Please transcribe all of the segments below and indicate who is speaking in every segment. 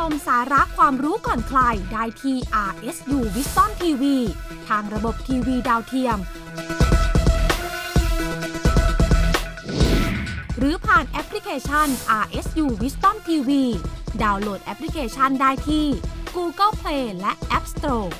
Speaker 1: มสาระความรู้ก่อนใครได้ที่ RSU Wisdom TV ทางระบบทีวีดาวเทียมหรือผ่านแอปพลิเคชัน RSU Wisdom TV ดาวน์โหลดแอปพลิเคชันได้ที่ Google Play และ App Store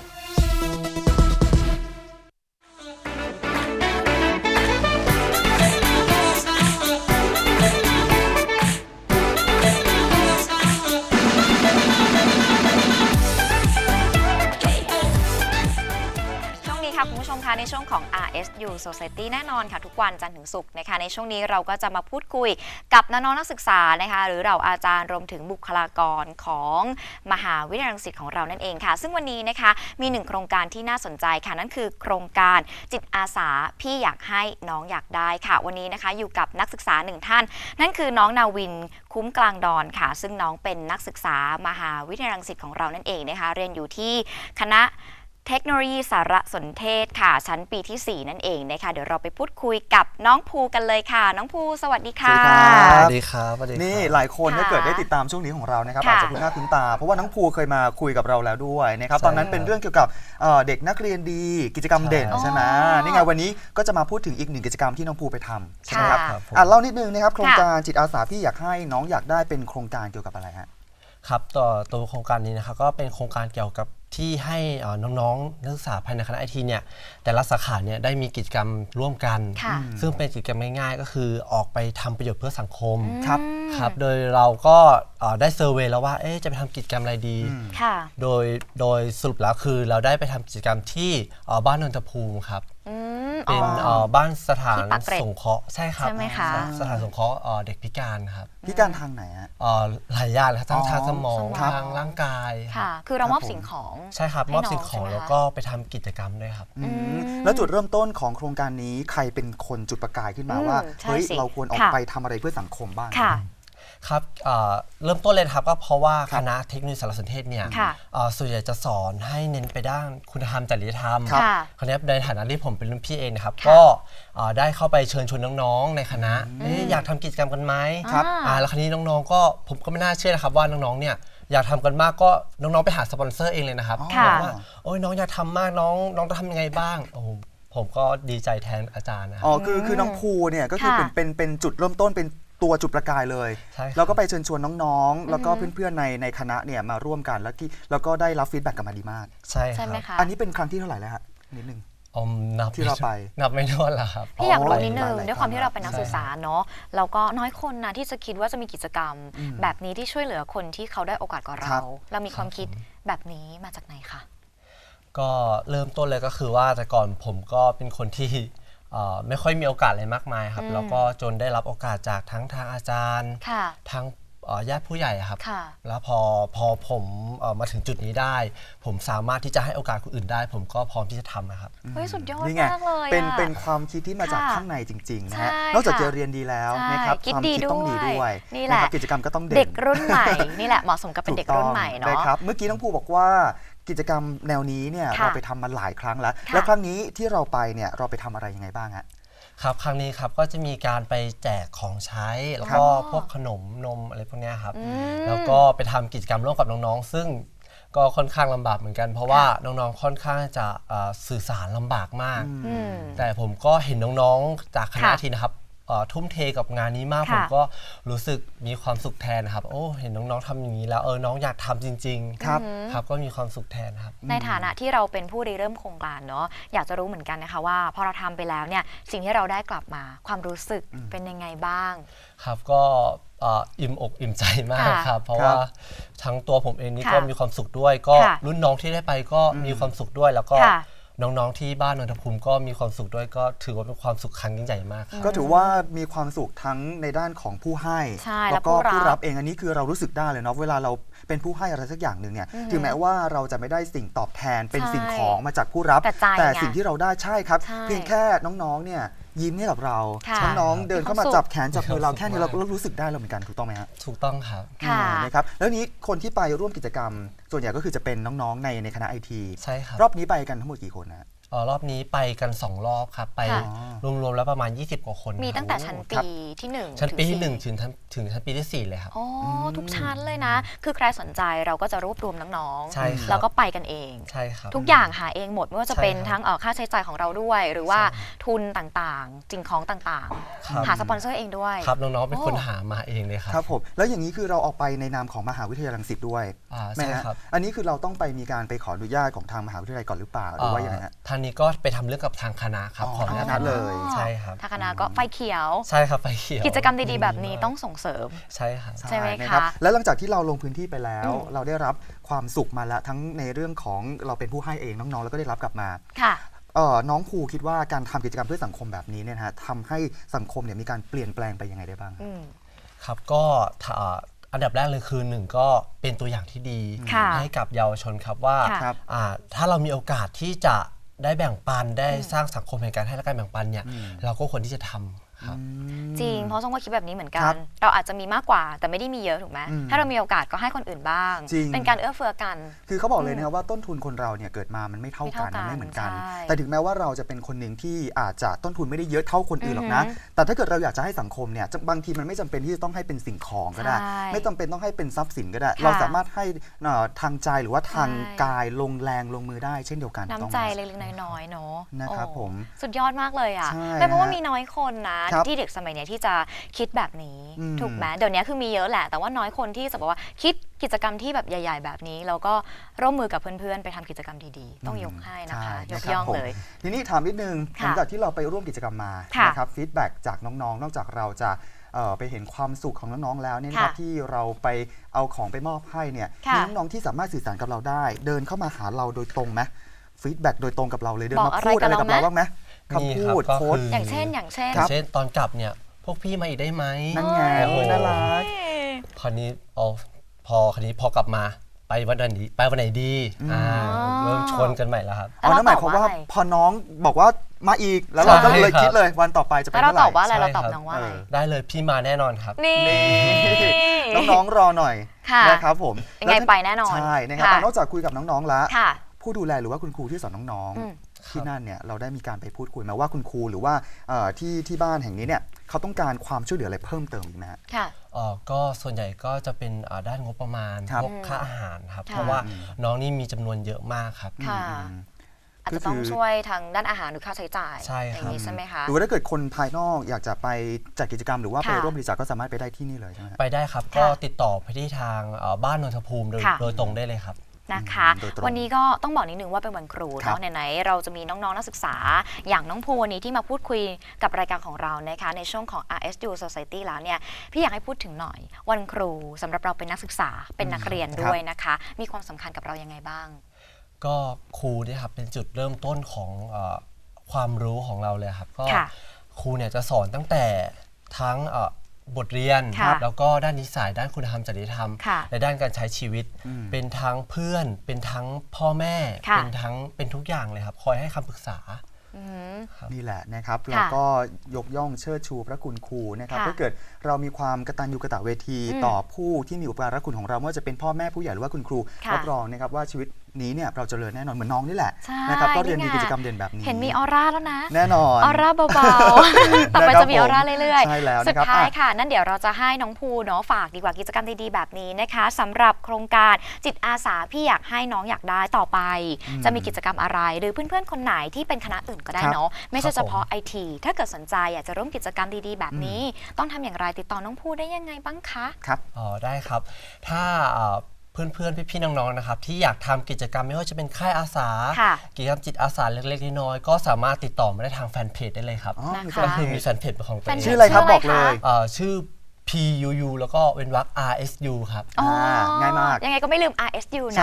Speaker 2: คุณผู้ชมคะในช่วงของ RSU Society แน่นอนค่ะทุกวันจันทร์ถึงศุกร์นะคะในช่วงนี้เราก็จะมาพูดคุยกับน้องๆนักศึกษานะคะหรือเราอาจารย์รวมถึงบุคลากรของมหาวิทยาลัยรังสิตของเรานั่นเองค่ะซึ่งวันนี้นะคะมีหนึ่งโครงการที่น่าสนใจค่ะนั่นคือโครงการจิตอาสาพี่อยากให้น้องอยากได้ค่ะวันนี้นะคะอยู่กับนักศึกษาหนึ่งท่านนั่นคือน้องนาวินคุ้มกลางดอนค่ะซึ่งน้องเป็นนักศึกษามหาวิทยาลัยรังสิตของเรานั่นเองนะคะเรียนอยู่ที่คณะเทคโนโลยีสารสนเทศค่ะชั้นปีที่ 4นั่นเองนะคะเดี๋ยวเราไปพูดคุยกับน้องภูกันเลยค่ะน้องภูสวัสดีค่ะ
Speaker 3: สวัสดีครับนี่หลายคนถ้าเกิดได้ติดตามช่วงนี้ของเรานะครับอาจจะคุ้นหน้าคุ้นตาเพราะว่าน้องภูเคยมาคุยกับเราแล้วด้วยนะครับตอนนั้นเป็นเรื่องเกี่ยวกับเด็กนักเรียนดีกิจกรรมเด่นใช่ไหมนี่ไงวันนี้ก็จะมาพูดถึงอีกหนึ่งกิจกรรมที่น้องภูไปทำใช่ไหมครับเล่านิดนึงนะครับโครงการจิตอาสาพี่อยากให้น้องอยากได้เป็นโครงการเกี่ยวกับอะไรฮะ
Speaker 4: ครับตัวโครงการนี้นะครับก็เป็นโครงการเกี่ยวกับที่ให้น้องๆนักศึกษาภายในคณะไอทีเนี่ยแต่ละสาขาเนี่ยได้มีกิจกรรมร่วมกันซึ่งเป็นกิจกรรมง่ายๆก็คือออกไปทำประโยชน์เพื่อสังคมครับโดยเราก็ได้เซอร์เวย์แล้วว่าจะไปทำกิจกรรมอะไรดีโดยสรุปแล้วคือเราได้ไปทำกิจกรรมที่บ้านนนทภูมิครับเป็นบ้านสถานสงเคราะห์ใช่ครับสถานสงเคราะห์เด็กพิการครับ
Speaker 3: พิการทางไหนฮะ
Speaker 4: หลายอย่างเลยครับทั้งทางสมองทางร่างกาย
Speaker 2: ค่ะคือเรามอบสิ่งของ
Speaker 4: ใช่ครับมอบสิ่งของแล้วก็ไปทำกิจกรรมด้วยครับ
Speaker 3: แล้วจุดเริ่มต้นของโครงการนี้ใครเป็นคนจุดประกายขึ้นมาว่าเฮ้ยเราควรออกไปทำอะไรเพื่อสังคมบ้าง
Speaker 4: ครับเริ่มต้นเลยครับก็เพราะว่าคณะเทคโนโลยีสารสนเทศเนี่ยส่วนใหญ่จะสอนให้เน้นไปด้านคุณธรรมจริยธรรมคราวนี้ในฐานะที่ผมเป็นรุ่นพี่เองนะครับก็ได้เข้าไปเชิญชวนน้องๆในคณะอยากทำกิจกรรมกันไหมแล้วคราวนี้น้องๆก็ผมก็ไม่น่าเชื่อนะครับว่าน้องๆเนี่ยอยากทำกันมากก็น้องๆไปหาสปอนเซอร์เองเลยนะครับบอกว่าโอ้ยน้องอยากทำมากน้องจะทำยังไงบ้างผมก็ดีใจแทนอาจารย์นะ
Speaker 3: คือน้องภูเนี่ยก็คือเป็นจุดเริ่มต้นเป็นตัวจุดประกายเลยแล้วก็ไปเชิญชวนน้องๆแล้วก็เพื่อนๆในคณะเนี่ยมาร่วมกันแล้วก็ได้รับฟีดแบ็กกลับมาดีมาก
Speaker 4: ใช่ครับ
Speaker 3: อันนี้เป็นครั้งที่เท่าไหร่แล้วฮะนิดนึงที่เราไป
Speaker 4: นับไม่ถ้วนแล้วครับ
Speaker 2: พี่อยากรู้นิดนึงด้วยความที่เราเป็นนักศึกษาเนาะเราก็น้อยคนนะที่จะคิดว่าจะมีกิจกรรมแบบนี้ที่ช่วยเหลือคนที่เขาได้โอกาสกว่าเรามีความคิดแบบนี้มาจากไหนคะ
Speaker 4: ก็เริ่มต้นเลยก็คือว่าแต่ก่อนผมก็เป็นคนที่ไม่ค่อยมีโอกาสอะไรมากมายครับแล้วก็จนได้รับโอกาสจากทั้งทางอาจารย์ทั้งญาติผู้ใหญ่ครับแล้วพอผมมาถึงจุดนี้ได้ผมสามารถที่จะให้โอกาสคนอื่นได้ผมก็พร้อมที่จะทำนะครับ
Speaker 2: เฮ้ยสุดยอดมากเลย
Speaker 3: เป็นความคิดที่มาจากข้างในจริงๆนะฮะนอกจากจะเรียนดีแล้วนะครับความคิดต้องดีด้วย
Speaker 2: นี่แหละ
Speaker 3: กิจกรรมก็ต้องเด่น
Speaker 2: เด็กรุ่นใหม่นี่แหละเหมาะสมกับเป็นเด็กรุ่นใหม่เนาะ
Speaker 3: ครับเมื่อกี้น้องภูบอกว่ากิจกรรมแนวนี้เนี่ยเราไปทำมาหลายครั้งแล้วครั้งนี้ที่เราไปเนี่ยเราไปทำอะไรยังไงบ้างฮะ
Speaker 4: ครับครั้งนี้ครับก็จะมีการไปแจกของใช้แล้วก็พวกขนมนมอะไรพวกนี้ครับแล้วก็ไปทำกิจกรรมร่วมกับน้องๆซึ่งก็ค่อนข้างลำบากเหมือนกันเพราะว่าน้องๆค่อนข้างจะสื่อสารลำบากมากแต่ผมก็เห็นน้องๆจากคณะทีนะครับทุ่มเทกับงานนี้มากผมก็รู้สึกมีความสุขแทนครับโอ้เห็นน้องๆทำอย่างนี้แล้วน้องอยากทำจริงๆครับก็มีความสุขแทนครับ
Speaker 2: ในฐานะที่เราเป็นผู้ริเริ่มโครงการเนาะอยากจะรู้เหมือนกันนะคะว่าพอเราทำไปแล้วเนี่ยสิ่งที่เราได้กลับมาความรู้สึกเป็นยังไงบ้าง
Speaker 4: ครับก็อิ่มอกอิ่มใจมากครับเพราะว่าทั้งตัวผมเองนี่ก็มีความสุขด้วยก็รุ่นน้องที่ได้ไปก็มีความสุขด้วยแล้วก็น้องๆที่บ้านนนทภูมิก็มีความสุขด้วยก็ถือว่าเป็นความสุขครั้งยิ่งใหญ่มาก
Speaker 3: ก็ถือว่ามีความสุขทั้งในด้านของผู้ให้แล้วก็ผู้รับเองอันนี้คือเรารู้สึกได้เลยเนาะเวลาเราเป็นผู้ให้อะไรสักอย่างหนึ่งเนี่ยถึงแม้ว่าเราจะไม่ได้สิ่งตอบแทนเป็นสิ่งของมาจากผู้รับแต่สิ่งที่เราได้ใช่ครับเพียงแค่น้องๆเนี่ยยิ้มให้กับเราน้องๆเดินเข้ามาจับแขนจับมือเราแค่นี้เราก็รู้สึกได้แล้วเหมือนกันถูกต้องไหมฮะ
Speaker 4: ถูกต้องครับ
Speaker 3: นะครับแล้วนี้คนที่ไปร่วมกิจกรรมส่วนใหญ่ก็คือจะเป็นน้องๆในคณะไอที
Speaker 4: ใช่ครับ
Speaker 3: รอบนี้ไปกันทั้งหมดกี่คนนะ
Speaker 4: รอบนี้ไปกัน 2 รอบครับไปรวมๆแล้วประมาณ20 กว่าคน
Speaker 2: มีตั้งแต่ชั้นปีที่1
Speaker 4: ชั้นปีที่1ถึงชั้นปีที่4เลยครับ
Speaker 2: อ๋อทุกชั้นเลยนะคือใครสนใจเราก็จะรวบรวมน้องๆ
Speaker 4: ใช่ครับ
Speaker 2: แล้วก็ไปกันเอง
Speaker 4: ใช่ครับ
Speaker 2: ทุกอย่างหาเองหมดไม่ว่าจะเป็นทั้งค่าใช้จ่ายของเราด้วยหรือว่าทุนต่างๆสิ่งของต่างๆหาสปอนเซอร์เองด้วย
Speaker 4: ครับน้องๆเป็นคนหามาเองเลยครับ
Speaker 3: ครับผมแล้วอย่างนี้คือเราออกไปในนามของมหาวิทยาลัยรังสิตด้วย
Speaker 4: ใช่ครับ
Speaker 3: อันนี้คือเราต้องไปมีการไปขออนุญาตของทางมหาวิทยาลัยก่อนหรือเปล่าหรือว่าอย่างไรฮะ
Speaker 4: ทางนี้ก็ไปทำเรื่องกับทางคณะครับขออนุญาต
Speaker 3: เลย
Speaker 4: ใช่ครับ
Speaker 2: ทางคณะก็ไฟเขียว
Speaker 4: ใช่ครับไฟเขียว
Speaker 2: กิจกรรมดีๆแบบนี้ต้องส่งเสริม
Speaker 4: ใช่ครับ
Speaker 2: ใช่ไหมคะ
Speaker 3: แล้วหลังจากที่เราลงพื้นที่ไปแล้วเราได้รับความสุขมาแล้วทั้งในเรื่องของเราเป็นผู้ให้เองน้องๆแล้วก็ได้รับกลับมา
Speaker 2: ค่ะ
Speaker 3: น้องภูคิดว่าการทำกิจกรรมเพื่อสังคมแบบนี้เนี่ยนะฮะทำให้สังคมเนี่ยมีการเปลี่ยนแปลงไปยังไงได้บ้าง
Speaker 4: ครับก็อันดับแรกเลยคือ1ก็เป็นตัวอย่างที่ดีให้กับเยาวชนครับว่าถ้าเรามีโอกาสที่จะได้แบ่งปันได้สร้างสังคมแห่งการให้และการแบ่งปันเนี่ยเราก็ควรที่จะทำ
Speaker 2: จริงเพราะส้มก็คิดแบบนี้เหมือนกันเราอาจจะมีมากกว่าแต่ไม่ได้มีเยอะถูกไหมถ้าเรามีโอกาสก็ให้คนอื่นบ้างเป็นการเอื้อเฟื้อกัน
Speaker 3: คือเขาบอกเลยนะครับว่าต้นทุนคนเราเนี่ยเกิดมามันไม่เท่ากันไม่เหมือนกันแต่ถึงแม้ว่าเราจะเป็นคนหนึ่งที่อาจจะต้นทุนไม่ได้เยอะเท่าคนอื่นหรอกนะแต่ถ้าเกิดเราอยากจะให้สังคมเนี่ยบางทีมันไม่จำเป็นที่จะต้องให้เป็นสิ่งของก็ได้ไม่จำเป็นต้องให้เป็นทรัพย์สินก็ได้เราสามารถให้ทางใจหรือว่าทางกายลงแรงลงมือได้เช่นเดียวกัน
Speaker 2: น้ำใจเล็กๆน้อยๆเนาะ
Speaker 3: นะครับผม
Speaker 2: สุดยอดมากเลยอ่ะแต่เพราะว่ามีน้อยคนนะที่เด็กสมัยนี้ที่จะคิดแบบนี้ถูกไหมเดี๋ยวนี้คือมีเยอะแหละแต่ว่าน้อยคนที่จะบอกว่าคิดกิจกรรมที่แบบใหญ่ๆแบบนี้แล้วก็ร่วมมือกับเพื่อนๆไปทำกิจกรรมดีๆต้องยกให้นะคะยกย่องเลย
Speaker 3: ทีนี้ถามนิดนึงหลังจากที่เราไปร่วมกิจกรรมมานะครับฟีดแบ็กจากน้องๆนอกจากเราจะไปเห็นความสุขของน้องๆแล้วเนี่ยนะครับที่เราไปเอาของไปมอบให้เนี่ยมีน้องๆที่สามารถสื่อสารกับเราได้เดินเข้ามาหาเราโดยตรงไหมฟีดแบ็กโดยตรงกับเราเลยเดินมาพูดอะไรกับเราบ้างไหมคำพูดโค้ด
Speaker 2: อย่างเช่น
Speaker 4: ตอนกลับเนี่ยพวกพี่มาอีกได้ไหม
Speaker 3: นั่นไงน่ารัก
Speaker 4: คราวนี้พอกลับมาไปวันไหนดีเริ่มชวนกันใหม่แล้วครับ
Speaker 3: นั่นหมายความว่าพอน้องบอกว่ามาอีกแล้วเราก็เลยคิดเลยวันต่อไปจะเป็นเมื่อไหร่
Speaker 2: เราตอบว่าอะไรเราตอบน้องว่า
Speaker 4: ได้เลยพี่มาแน่นอนครับ
Speaker 2: นี่
Speaker 3: น้องๆรอหน่อยนะครับผม
Speaker 2: ยังไงไปแน่นอน
Speaker 3: ใช่นะครับนอกจากคุยกับน้องๆแล้วผู้ดูแลหรือว่าคุณครูที่สอนน้องๆที่นั่นเนี่ยเราได้มีการไปพูดคุยมาว่าคุณครูหรือว่าที่บ้านแห่งนี้เนี่ยเขาต้องการความช่วยเหลืออะไรเพิ่มเติมอีกไหม
Speaker 2: ค่ะ
Speaker 4: ก็ส่วนใหญ่ก็จะเป็นด้านงบประมาณพวกค่าอาหารครับเพราะว่าน้องนี่มีจำนวนเยอะมากครับ
Speaker 2: อาจจะต้องช่วยทางด้านอาหารหรือค่าใช้จ่าย
Speaker 4: อย่าง
Speaker 2: นี้ใช่ไหมคะ
Speaker 3: หรือว่าถ้าเกิดคนภายนอกอยากจะไปจัดกิจกรรมหรือว่าไปร่วมบริจาคก็สามารถไปได้ที่นี่เลยใช่ไหม
Speaker 4: ไปได้ครับก็ติดต่อไปที่ทางบ้านนนทภูมิโดยตรงได้เลยครับ
Speaker 2: นะคะวันนี้ก็ต้องบอกนิดนึงว่าเป็นวันครูเนาะไหนๆเราจะมีน้องๆนักศึกษาอย่างน้องภูวันนี้ที่มาพูดคุยกับรายการของเรานะคะในช่วงของ RSU Society แล้วเนี่ยพี่อยากให้พูดถึงหน่อยวันครูสำหรับเราเป็นนักศึกษาเป็นนักเรียนด้วยนะคะมีความสำคัญกับเรายังไงบ้าง
Speaker 4: ก็ครูเนี่ยครับเป็นจุดเริ่มต้นของความรู้ของเราเลยครับก็ครูเนี่ยจะสอนตั้งแต่ทั้งบทเรียนแล้วก็ด้านนิสัยด้านคุณธรรมจริยธรรมและด้านการใช้ชีวิตเป็นทั้งเพื่อนเป็นทั้งพ่อแม่เป็นทุกอย่างเลยครับคอยให้คำปรึกษา
Speaker 3: นี่แหละนะครับแล้วก็ยกย่องเชิดชูพระคุณครูนะครับถ้าเกิดเรามีความกตัญญูกตเวทีต่อผู้ที่มีอุปการะคุณของเราไม่ว่าจะเป็นพ่อแม่ผู้ใหญ่หรือว่าคุณครูรับรองนะครับว่าชีวิตนี้เนี่ยเราเจริญแน่นอนเหมือนน้องนี่แหละนะครับก็เรียนมีกิจกรรมเด่นแบบนี้
Speaker 2: เห็นมีออร่าแล้วนะ
Speaker 3: แน่นอน
Speaker 2: ออร่าเบาๆต่อไปจะมีออร่าเรื่อยๆสุดท้ายค่ะนั่นเดี๋ยวเราจะให้น้องภูเนาะฝากดีกว่ากิจกรรมดีๆแบบนี้นะคะสำหรับโครงการจิตอาสาพี่อยากให้น้องอยากได้ต่อไปจะมีกิจกรรมอะไรหรือเพื่อนๆคนไหนที่เป็นคณะอื่นก็ได้เนาะไม่ใช่เฉพาะ IT ถ้าเกิดสนใจอยากจะร่วมกิจกรรมดีๆแบบนี้ต้องทำอย่างไรติดต่อน้องภูได้ยังไงบ้างคะ
Speaker 3: ครับ
Speaker 4: ได้ครับถ้าเพื่อนๆพี่ๆน้องๆนะครับที่อยากทำกิจกรรมไม่ว่าจะเป็นค่ายอาสากิจกรรมจิตอาสาเล็กๆน้อยๆก็สามารถติดต่อมาได้ทางแฟนเพจได้เลยครับก็คือมีแฟนเพจของตัวเอง
Speaker 3: ชื่ออะไรครับบอกเลย
Speaker 4: ชื่อ PUU แล้วก็เว้นวรรค RSU ครับ
Speaker 3: ง่ายมาก
Speaker 2: ยังไงก็ไม่ลืม RSU นะ
Speaker 3: ใช่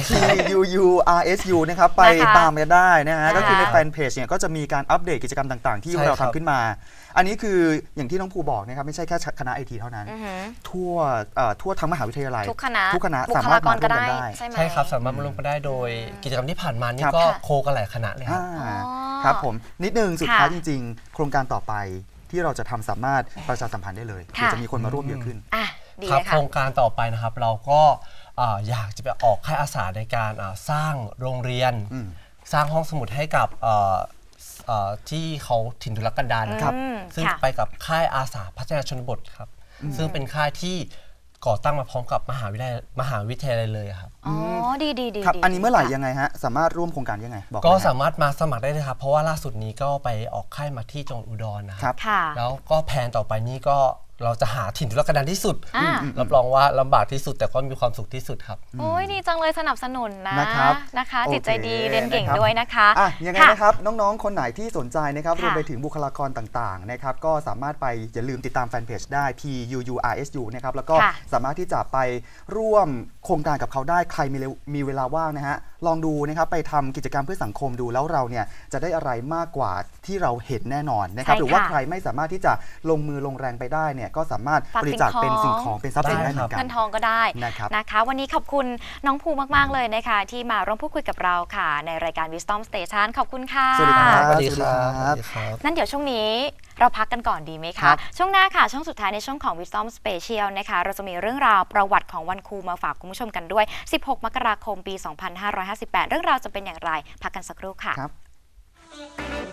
Speaker 3: PUU RSU นะครับไปตามกันได้นะฮะก็คือในแฟนเพจเนี่ยก็จะมีการอัปเดตกิจกรรมต่างๆที่เราทำขึ้นมาอันนี้คืออย่างที่น้องภูบอกนะครับไม่ใช่แค่คณะ IT เท่านั้นทั่วทั้งมหาวิทยาลัย
Speaker 2: ทุกคณะ
Speaker 3: สามารถมาร่วมกันได้
Speaker 4: ใช่ครับสามารถมาร่วมกันได้โดยกิจกรรมที่ผ่านมานี่ก็โคกันหลายคณะเลย
Speaker 3: ครับผมนิดนึงสุดท้ายจริงๆโครงการต่อไปที่เราจะทำสามารถประชาสัมพันธ์ได้เลยเพื่อจะมีคนมาร่วมเยอะขึ้น
Speaker 4: ครับโครงการต่อไปนะครับเราก็อยากจะไปออกค่ายอาสาในการสร้างโรงเรียนสร้างห้องสมุดให้กับที่เขาถิ่นทุรกันดารนะครับซึ่งไปกับค่ายอาสาพัฒนาชนบทครับซึ่งเป็นค่ายที่ก่อตั้งมาพร้อมกับมหาวิทยาลัยเลยครับ
Speaker 2: อ๋อดี
Speaker 3: ครับอันนี้เมื่อไหร่ยังไงฮะสามารถร่วมโครงการยังไงบอก
Speaker 4: ก็สามารถมาสมัครได้เลยครับเพราะว่าล่าสุดนี้ก็ไปออกค่ายมาที่จังหวัดอุดรนะครับแล้วก็แผนต่อไปนี้ก็เราจะหาถิ่นทุรกันดารที่สุดรับรองว่าลำบากที่สุดแต่ก็มีความสุขที่สุดครับ
Speaker 2: โอ้ยดีจังเลยสนับสนุนนะคะจิตใจดีเรียนเก่งด้วยนะคะ
Speaker 3: ยังไงนะครับน้องๆคนไหนที่สนใจนะครับรวมไปถึงบุคลากรต่างๆนะครับก็สามารถไปอย่าลืมติดตามแฟนเพจได้ PUURSU นะครับแล้วก็สามารถที่จะไปร่วมโครงการกับเขาได้ใครมีเวลาว่างนะฮะลองดูนะครับไปทำกิจกรรมเพื่อสังคมดูแล้วเราเนี่ยจะได้อะไรมากกว่าที่เราเห็นแน่นอนนะครับหรือว่าใครไม่สามารถที่จะลงมือลงแรงไปได้เนี่ยก็สามารถบริจาคเป็นสิ่งของเป็นทรัพย์สินได้เหมือนกัน
Speaker 2: เงินทองก็ได้นะคะวันนี้ขอบคุณน้องภูมากๆเลยนะคะที่มาร่วมพูดคุยกับเราค่ะในรายการ Wisdom Station ขอบคุณค่ะ
Speaker 3: สวัสดีครับ
Speaker 4: สวัสดีครับ
Speaker 2: นั่นเดี๋ยวช่วงนี้เราพักกันก่อนดีไหมคะช่วงหน้าค่ะช่วงสุดท้ายในช่วงของ Wisdom Special นะคะเราจะมีเรื่องราวประวัติของวันครูมาฝากคุณผู้ชมกันด้วย16 มกราคมปี 2558 เรื่องราวจะเป็นอย่างไรพักกันสักครู่ค่ะ